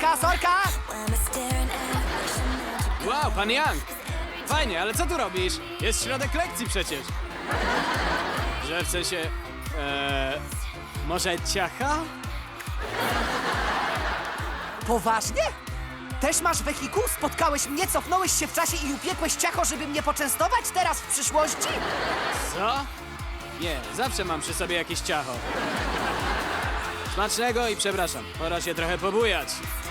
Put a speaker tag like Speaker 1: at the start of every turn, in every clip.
Speaker 1: sorka!
Speaker 2: Wow, pan Young! Fajnie, ale co tu robisz? Jest środek lekcji przecież. Że w sensie... może ciacha?
Speaker 1: Poważnie? Też masz wehikuł? Spotkałeś mnie, cofnąłeś się w czasie i upiekłeś ciacho, żeby mnie poczęstować teraz w przyszłości?
Speaker 2: Co? Nie, zawsze mam przy sobie jakieś ciacho. Smacznego i przepraszam, pora się trochę pobujać.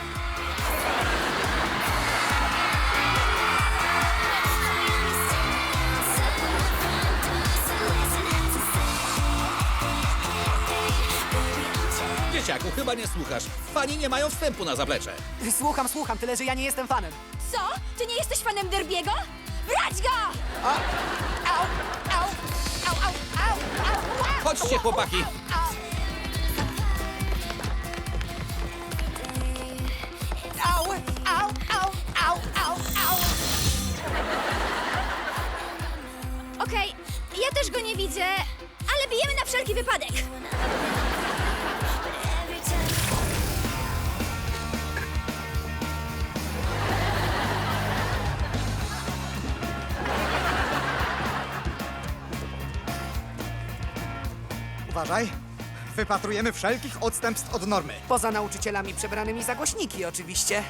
Speaker 3: Dzieciaku, chyba nie słuchasz. Fani nie mają wstępu na zaplecze.
Speaker 1: Słucham, tyle że ja nie jestem fanem.
Speaker 4: Co? Ty nie jesteś fanem Derbiego? Brać go!
Speaker 1: Au, au, au, au, au, au.
Speaker 3: Chodźcie, chłopaki.
Speaker 1: Au, au, au, au, au, au.
Speaker 4: Okej, ja też go nie widzę, ale bijemy na wszelki wypadek.
Speaker 5: Uważaj. Wypatrujemy wszelkich odstępstw od normy.
Speaker 1: Poza nauczycielami przebranymi za głośniki, oczywiście.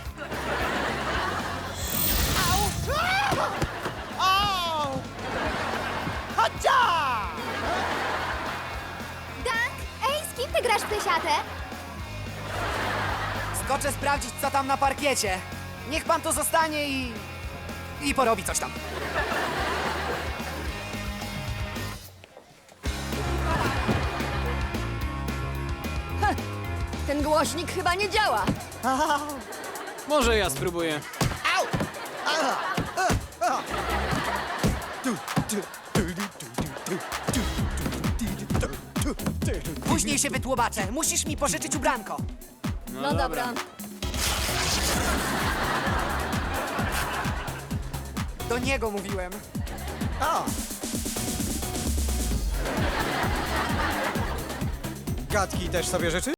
Speaker 4: Dank, ej, z kim ty grasz w plesiatę?
Speaker 1: Skoczę sprawdzić, co tam na parkiecie. Niech pan tu zostanie i porobi coś tam.
Speaker 4: Ten głośnik chyba nie działa.
Speaker 2: Może ja spróbuję.
Speaker 1: Później się wytłumaczę. Musisz mi pożyczyć ubranko.
Speaker 4: No dobra.
Speaker 1: Do niego mówiłem.
Speaker 5: A! Gadki też sobie życzy?